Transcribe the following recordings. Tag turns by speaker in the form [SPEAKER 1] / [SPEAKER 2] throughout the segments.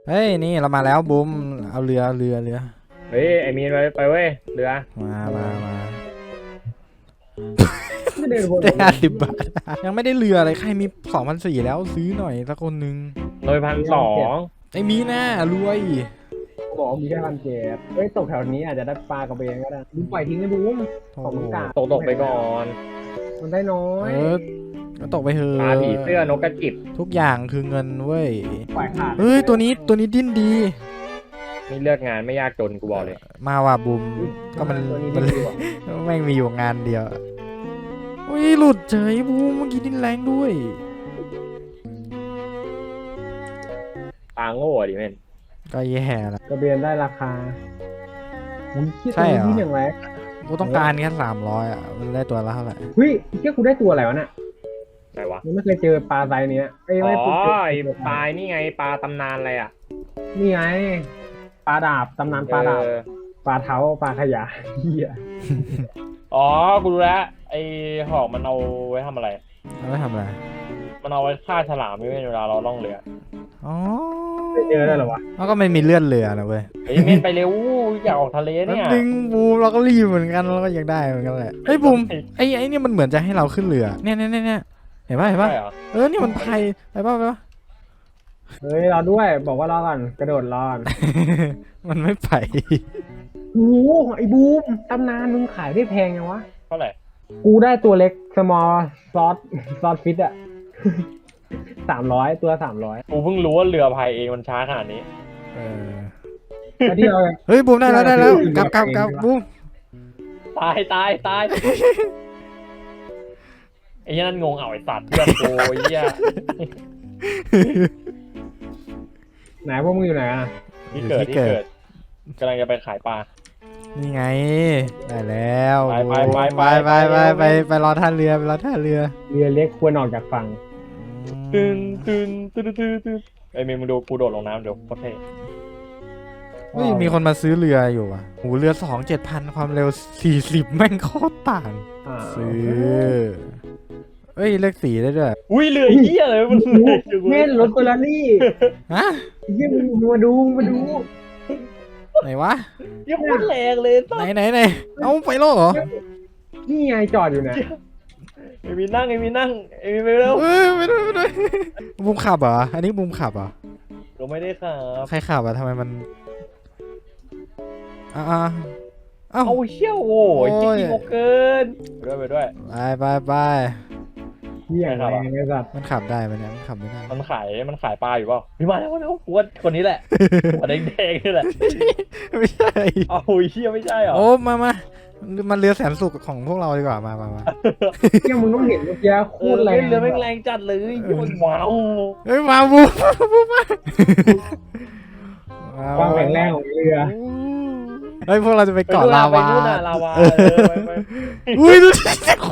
[SPEAKER 1] เฮ้ยนี่เรามาแล้วบุมเอาเรือ
[SPEAKER 2] เฮ้ยไอ้มีนไปเว้ยเรือ
[SPEAKER 1] มา
[SPEAKER 3] ไม่เดินวน
[SPEAKER 1] ได้50 บาทยังไม่ได้เรือเลยใครมี2,400แล้วซื้อหน่อยสักคนนึง
[SPEAKER 2] เลย1,200
[SPEAKER 1] ไอ้มีน่ารวย
[SPEAKER 3] บอกมีแค่1,700เฮ้ยตกแถวนี้อาจจะได้ปลากระเบนก็ได้บูมปล่อยทิ้งเลยบูมของมึงกา
[SPEAKER 2] ตกไปก่อน
[SPEAKER 3] มันได้น้อย
[SPEAKER 1] ก็ตกไปเถอ
[SPEAKER 2] ปลาผี
[SPEAKER 1] ะ
[SPEAKER 2] เสื้อนกกระจิบ
[SPEAKER 1] ทุกอย่างคือเงินเว้ย
[SPEAKER 3] ปล่อยขาด
[SPEAKER 1] เฮ้ยตัวนี้ดิ้นดี
[SPEAKER 2] นี่เลือกงานไม่ยากจนกูบอกเลย
[SPEAKER 1] มาว่ะบุมก็มัน
[SPEAKER 3] ตัวนี้
[SPEAKER 1] มัน
[SPEAKER 3] ดีกว่า
[SPEAKER 1] แม่งมีอยู่งานเดียวอุ้ยหลุดเฉยบูมเมื่อกี้ดิ้นแรงด้วย
[SPEAKER 2] ปลาโง่ดิแม่น
[SPEAKER 1] ก็แย่ละ
[SPEAKER 3] กระเบนได้ราคาผมคิด
[SPEAKER 1] ใช่เหรอ
[SPEAKER 3] ที่อย่างไร
[SPEAKER 1] กูต้องการแค่300อ่ะมันได้ตัวละเท่าไหร่
[SPEAKER 3] เฮ้ยเชื่อกูได้ตัวอะไรวะน่ะ
[SPEAKER 2] ไหนวะ
[SPEAKER 3] ยังไม่เคยเจอปลาไซส์เนี้ยเอ้ย
[SPEAKER 2] อ๋
[SPEAKER 3] ไม่
[SPEAKER 2] อ
[SPEAKER 3] ไ
[SPEAKER 2] ไอ้ปลานี่ไงปลาตำนานอะไรอ่ะ
[SPEAKER 3] นี่ไงปลาดาบตำนานปลาดาบ
[SPEAKER 2] เออ
[SPEAKER 3] ปลาเท้าปลาขยะเหี้ย
[SPEAKER 2] อ๋อกูรู้แล้วไอ้หอกมันเอาไว้ทำอะไร
[SPEAKER 1] แล้วไม่ทำอะไร
[SPEAKER 2] มันเอาไว้ฆ่าฉลามไม่เวลาเราล่องเรือ
[SPEAKER 1] อ๋อ
[SPEAKER 3] ไม่เจอได้เหรอวะ
[SPEAKER 1] แล้วก็ไม่มีเลื่อนเรือนะเว้ย
[SPEAKER 2] เฮ้ยเม่นไปเร็วอยากออกทะเล
[SPEAKER 1] แป๊บ
[SPEAKER 2] เนี่ย
[SPEAKER 1] นึงบูมเราก็รีบเหมือนกันเราก็อยากได้เหมือนกันแหละเฮ้ยบูมไอ้นี่มันเหมือนจะให้เราขึ้นเรือเนี่ยเห็นป่ะ
[SPEAKER 2] ใช่เหรอ
[SPEAKER 1] นี่มันพายไปป่ะ
[SPEAKER 3] เฮ้ยรอด้วยบอกว่ารอก่อนกระโดดรอก่อน
[SPEAKER 1] มันไม่ไป
[SPEAKER 3] โอ้โหไอ้บูมตำนานมึงขายได้แพงยังวะ
[SPEAKER 2] เท่าไหร่
[SPEAKER 3] กูได้ตัวเล็ก small ซอสฟิตอะ300ตัว300
[SPEAKER 2] กูเพิ่งรู้ว่าเรือพายเองมันช้าขนาดนี้
[SPEAKER 1] เออ
[SPEAKER 3] แล้วที่เรา
[SPEAKER 1] เฮ้ยบูมได้แล้วกลับบูม
[SPEAKER 2] ตายไอ้เหี้ยนั่นงงเอาไอ้สัตว์เพื่อนกูไอ้เหี้ย
[SPEAKER 3] ไหนพวกมึงอยู่ไหนอะ
[SPEAKER 2] ที่เกิดกำลังจะไปขายปลา
[SPEAKER 1] นี่ไงได้แล้ว
[SPEAKER 2] ไป
[SPEAKER 1] ไปรอท่าเรือ
[SPEAKER 3] เรือเล็กควรออกจากฝั่ง
[SPEAKER 2] ตึนไอ้เมย์มึงดูกูโดดลงน้ำเดี๋ยวโคตรเท่
[SPEAKER 1] เฮ้ยมีคนมาซื้อเรืออยู่อ่ะหูเรือ7,000ความเร็ว40แม่งโคตรต่าง
[SPEAKER 3] อ่า
[SPEAKER 1] ซื้อเฮ้ยเลือกสีได้ด้วย
[SPEAKER 2] อุ้ยเรือเหี้ยเลยมันเลย
[SPEAKER 3] เม่นรถเฟอร์รารี่
[SPEAKER 1] ฮะ
[SPEAKER 3] เยี่ยมงมาดู
[SPEAKER 1] ไหนวะ
[SPEAKER 2] ยังโคตรแรงเลยสัตว์
[SPEAKER 1] ไหนเอาไปแล้วเหรอ
[SPEAKER 3] นี่ไงจอดอยู่เนี่ย
[SPEAKER 2] ไอ้มีนั่งไปเร็ว
[SPEAKER 1] ไม่ได้บูมขับเหรออันนี้บูมขับเหรอ
[SPEAKER 2] ก็ไม่ได้ครับ
[SPEAKER 1] ใครขับอะทำไมมันเอ้า
[SPEAKER 2] เอาเชี่ยวโอ้ยจริงๆเกินไปด้วย
[SPEAKER 1] ไป
[SPEAKER 3] เหี้ยอะไรไอ้สัตว์
[SPEAKER 1] มันขับได้ไหมเนี่ยมันขับไม่ได้
[SPEAKER 2] มันขายปลาอยู่เปล่าพี่มาแล้วกูว่าคนนี้แหละหัวแดงๆนี่แหละ
[SPEAKER 1] ไม่ใช่
[SPEAKER 2] เอาเชี่ยไม่ใช่เหรอ
[SPEAKER 1] โอ้มันเรือแสนสุขของพวกเราดีกว่ามา
[SPEAKER 3] เยี่ยมึงต้องเห็นเมื่อกี้โคตรแรง
[SPEAKER 2] เรือแม่งแรงจัดเลยมันว้าว
[SPEAKER 1] เฮ้ยมาบูมา
[SPEAKER 3] ความแข็งแรงของเรือ
[SPEAKER 1] เฮ้ยพวกเราจะไปเกาะลาวา
[SPEAKER 2] ไปนู่นน่ะลาวาไป
[SPEAKER 1] อุ้ยดูดิ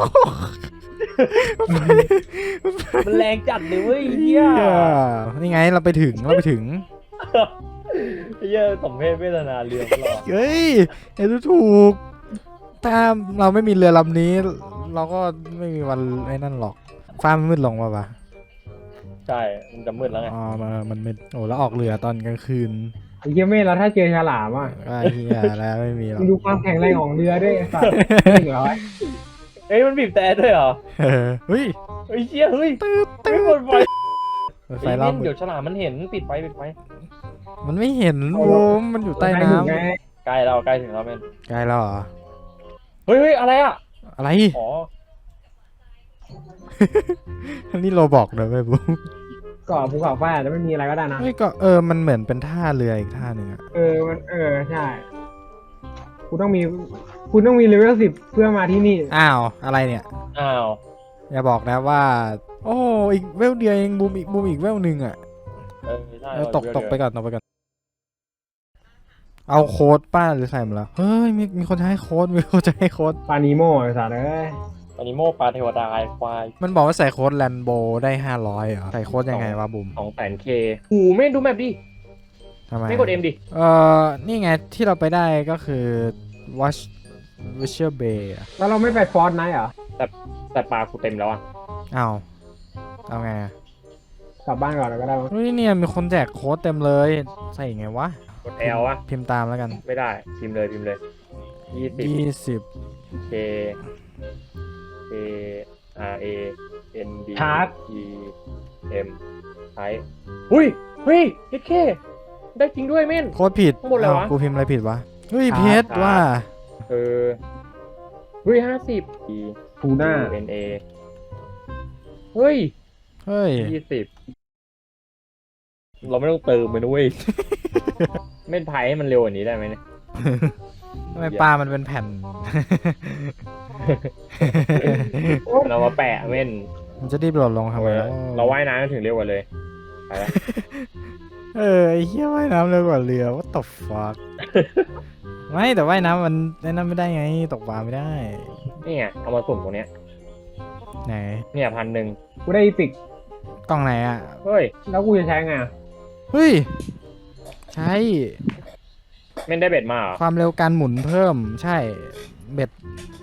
[SPEAKER 2] มันแรงจัดเลยเว้ยเฮีย
[SPEAKER 1] นี่ไงเราไปถึง
[SPEAKER 2] เฮียสมเพศเวทนาเรือของเรา
[SPEAKER 1] เฮ้ยไอ้ดูถูกถ้าเราไม่มีเรือลำนี้ เราก็ไม่มีวันไอ้นั่นหรอกฟ้ามันมืดลงป่ะ
[SPEAKER 2] ใช่มันจะมืดแล้วไง
[SPEAKER 1] อ๋อมันมืดโอ้แล้วออกเรือตอนกลางคืน
[SPEAKER 3] ไอ้เยี่ยเม่นแล้วถ้าเจอฉลามอ่ะ
[SPEAKER 1] ก็เฮียแล้วไม่มีหรอก
[SPEAKER 3] มึงดูความแข็งแรงของเรือด้วยไอ้สัตว์100
[SPEAKER 2] เอ้ยมันบีบแต่ด้วยเหรอ
[SPEAKER 1] เฮ้ย
[SPEAKER 2] เฮ้ยเชี่ยเฮ้ยไม่หมดไฟ
[SPEAKER 1] ไฟรอบ
[SPEAKER 2] เดี๋ยวฉลามมันเห็นปิดไฟ
[SPEAKER 1] มันไม่เห็นโอ้มันอยู่ใต้น้ำ
[SPEAKER 3] ไง
[SPEAKER 2] ใกล้ถึงแล้วเมน
[SPEAKER 1] ใกล้แล้วเหรอ
[SPEAKER 2] เฮ้ยอะไรอ่ะ
[SPEAKER 1] อะไร
[SPEAKER 2] อ๋อ
[SPEAKER 1] อันนี้โรบอกเลยไม่บูม
[SPEAKER 3] เกาะภูเขาไฟอาจจะไม่มีอะไรก็ได้นะ
[SPEAKER 1] ไม่ก็มันเหมือนเป็นท่าเรืออีกท่าหนึ่งอะ
[SPEAKER 3] มันใช่คุณต้องมีเลเวล10เพื่อมาที่นี่
[SPEAKER 1] อ้าวอะไรเนี่ย
[SPEAKER 2] อ้าว
[SPEAKER 1] อย่าบอกนะว่า โอ้อีกเวลเดียวเองบูมอีกเวลหนึ่งอ่ะ
[SPEAKER 2] ใช่
[SPEAKER 1] ตกไปก่อนเอาโค้ดป้าหรือใส่มาแล้วเฮ้ยมีคนจะให้โค้ดมีคนจะให้โค้ด
[SPEAKER 3] ปานิโมไอ้สัตว์เอ้ย
[SPEAKER 2] อนิโมปลาเทวดาไอควาย
[SPEAKER 1] มันบอกว่าใส่โค้ดแลนโบได้500เหรอใส่โค้ดยังไงวะบูม
[SPEAKER 2] 200,000K หูไม่ดูแมปดิ
[SPEAKER 1] ทำไม
[SPEAKER 2] ไม่กด M ดิ
[SPEAKER 1] นี่ไงที่เราไปได้ก็คือ Watch Visual Bay อะ
[SPEAKER 3] แล้วเราไม่ไปฟอร์ดไนท์เหรอ
[SPEAKER 2] แต่ปลากูเต็มแล้วอ่ะ
[SPEAKER 1] อ้าวเอาไงอะ
[SPEAKER 3] กลับบ้านก่อนแล้วก็ได้มั้ง
[SPEAKER 1] เฮ้ยเนี่ยมีคนแจกโค้ดเต็มเลย ใส่ไงวะ
[SPEAKER 2] กด L วะ
[SPEAKER 1] พิมพ์ตามแล้วกัน
[SPEAKER 2] ไม่ได้พิมพ์เลย20
[SPEAKER 1] 20
[SPEAKER 2] K K R A N D E M ใช้อุ้ยเฮ้ยเคได้จริงด้วยเม่น
[SPEAKER 1] โค้ดผิด
[SPEAKER 2] ข้างบนอะไรวะ
[SPEAKER 1] อ้าวกูพิมพ์อะไรผิดวะ เฮ้ยเพชรว่า
[SPEAKER 2] เฮ้ย50 E
[SPEAKER 3] ทูน่า
[SPEAKER 2] N A เฮ้ย
[SPEAKER 1] เฮ้ย
[SPEAKER 2] 20เราไม่ต้องเติมเลยนะเว้ย เม่นไพ่ให้มันเร็วกว่านี้ได้ไหมเนี่ย
[SPEAKER 1] ทำไมปลามันเป็นแผ่น
[SPEAKER 2] เรามาแปะเม่น
[SPEAKER 1] มันจะรีบโหลดลงทำไมแล้ว
[SPEAKER 2] เราว่ายน้ำถึงเร็วกว่าเลยไปแล้ว
[SPEAKER 1] ไอ้เหี้ยว่ายน้ำเร็วกว่าเรือ what the fuck ไม่แต่ว่ายน้ำมันไอ้นั่นไม่ได้ไงตกปลาไม่ได้
[SPEAKER 2] นี่ไงเอามาสุ่มตรงเนี้ย
[SPEAKER 1] ไหน
[SPEAKER 2] เนี่ย1,000
[SPEAKER 3] กูได้อีพิก
[SPEAKER 1] กล้องไหนอ่ะ
[SPEAKER 2] เฮ้ย
[SPEAKER 3] แล้วกูจะใช้ไงอะ
[SPEAKER 1] เฮ้ย ใช่
[SPEAKER 2] เม่นได้เบ็ดมาเหรอ
[SPEAKER 1] ความเร็วการหมุนเพิ่มใช่เบ็ด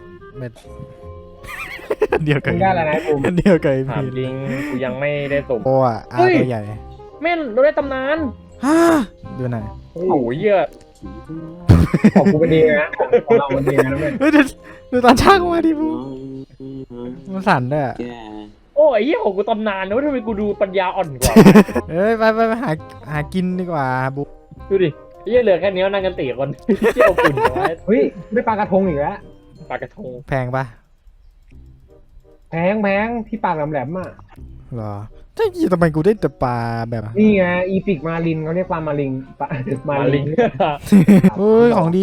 [SPEAKER 1] เดียวกัน
[SPEAKER 3] มึงได้อะไรนะกู
[SPEAKER 1] เดียวกัน
[SPEAKER 2] ถามจริงกูยังไม่ได้สุ่ม
[SPEAKER 1] โอ้อะอา
[SPEAKER 2] เฮ้ย
[SPEAKER 1] ตัวใหญ่
[SPEAKER 2] เม่นเราได้ตำนาน
[SPEAKER 1] ฮ่าดูหน่อย
[SPEAKER 2] โอ้โหเยอะ
[SPEAKER 3] ของกูเป็นดีนะของเราเป็นดีนะแม่
[SPEAKER 1] เฮ้ยดูตอนช่างมาดิบูมันสั่นด้วยอะ
[SPEAKER 2] โอ้ยเหี้ยของกูตำนานนะว่าทำไมกูดูปัญญาอ่อนกว่า
[SPEAKER 1] เอ้ยไปหากินดีกว่าบู
[SPEAKER 2] ดูดิไอ้เหี้ยเหลือแค่นี้นั่งกัน4 คนเที่ยวฝุ่นเอาไว้
[SPEAKER 3] เฮ้ยได้ปลากระทงอีกแล้ว
[SPEAKER 2] ปลากระทง
[SPEAKER 1] แพงปะ
[SPEAKER 3] แพงที่ปากแหลมๆอ่ะ
[SPEAKER 1] เหรอใช่ทำไมกูได้แต่ปลาแบบ
[SPEAKER 3] นี่ไงอีพิกมาลินเขาเรียกปลามาลิงปลามา
[SPEAKER 2] มา
[SPEAKER 3] ลิ
[SPEAKER 2] ลิ
[SPEAKER 3] ง
[SPEAKER 2] ง
[SPEAKER 1] เฮ้ยของดี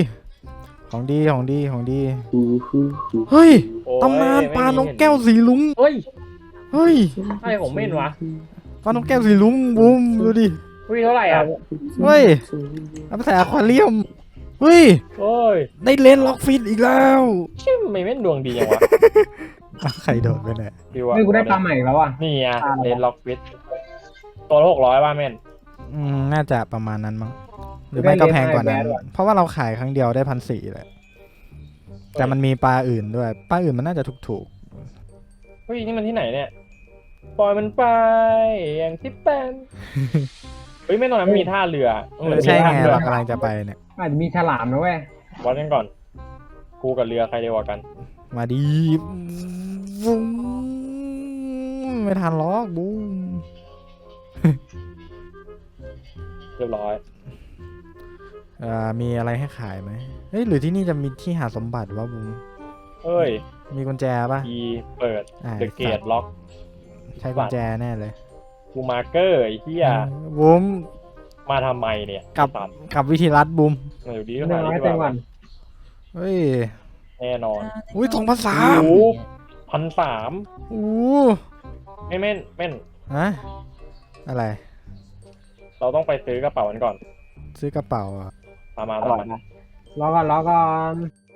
[SPEAKER 1] เฮ้ย
[SPEAKER 2] โอ้ย
[SPEAKER 1] ตำนานปลานกแก้ว
[SPEAKER 2] ไม่มี
[SPEAKER 1] สีลุง
[SPEAKER 2] เฮ้ย
[SPEAKER 1] เฮ้ย
[SPEAKER 2] อะไรของเม่นวะ
[SPEAKER 1] ปลานกแก้วสีลุงบูมดูดิ
[SPEAKER 2] เฮ้ยเท่าไหร่อ่ะ
[SPEAKER 1] เฮ้ยเอาไปใส่อควาเรียมเฮ้ย
[SPEAKER 2] โอ้ย
[SPEAKER 1] ได้เลนส์ล็อกฟิตอีกแล้ว
[SPEAKER 2] ชิมไม่เม่นดวงดียังวะ
[SPEAKER 1] ใครโดดไปเนี่ย
[SPEAKER 2] พี่ว่า
[SPEAKER 3] เฮ้ยกูได้ปลาใหม่อีกแล้วอ่ะ
[SPEAKER 2] นี่อ่ะเลนล็อกฟิตตัวละ600ป่ะเม่น
[SPEAKER 1] น่าจะประมาณนั้นมั้งหรือไม่ก็แพงกว่านั้น เพราะว่าเราขายครั้งเดียวได้1,400เลยแต่มันมีปลาอื่นด้วยปลาอื่นมันน่าจะถูก
[SPEAKER 2] เฮ้ยนี่มันที่ไหนเนี่ยปล่อยมันไปอย่างที่เป็นเฮ้ยไม่ตรงนั้นมีท่าเรือ
[SPEAKER 1] ๆใช่ไง
[SPEAKER 2] มีท่ารือ
[SPEAKER 1] เรากำลังจะไปเนี่ย
[SPEAKER 3] อาจจะมีฉลามนะเว้ย
[SPEAKER 2] วัดกันก่อนกูกับเรือใครเร็วกว่ากัน
[SPEAKER 1] มาดีบูมไม่ทันล็อกบูม
[SPEAKER 2] เรียบร้อย
[SPEAKER 1] มีอะไรให้ขายไหมเฮ้ยหรือที่นี่จะมีที่หาสมบัติวะบูม
[SPEAKER 2] เฮ้ย
[SPEAKER 1] มีกุญแจป่ะ
[SPEAKER 2] อีเปิด
[SPEAKER 1] อ่า
[SPEAKER 2] เดอะเกตล็อก
[SPEAKER 1] ใช้กุญแจแน่เลย
[SPEAKER 2] กูมาร์เกอร์ไอ้เหี้ย
[SPEAKER 1] บูม
[SPEAKER 2] มาทำไมเนี่ย
[SPEAKER 1] กลับ
[SPEAKER 2] ไอ้สัตว์
[SPEAKER 1] กับวิธีรัดบูม
[SPEAKER 2] มาอยู่ดีก็
[SPEAKER 3] เรื่อง
[SPEAKER 2] หา
[SPEAKER 3] น้อย
[SPEAKER 2] ดี
[SPEAKER 3] เต็ม
[SPEAKER 2] ก
[SPEAKER 3] วั
[SPEAKER 2] ว่าน
[SPEAKER 1] เฮ้ย
[SPEAKER 2] แน่นอน
[SPEAKER 1] อุ้ย2,300
[SPEAKER 2] โอ้โห1,300
[SPEAKER 1] อู้
[SPEAKER 2] ไม่เม่นเม่น
[SPEAKER 1] ฮะอะไร
[SPEAKER 2] เราต้องไปซื้อกระเป๋ากันก่อน
[SPEAKER 1] ซื้อกระเป๋าอ่ะ
[SPEAKER 2] ตามมา
[SPEAKER 3] อ
[SPEAKER 2] ตาม
[SPEAKER 3] ร่อย
[SPEAKER 2] มา
[SPEAKER 3] นะรอก่อน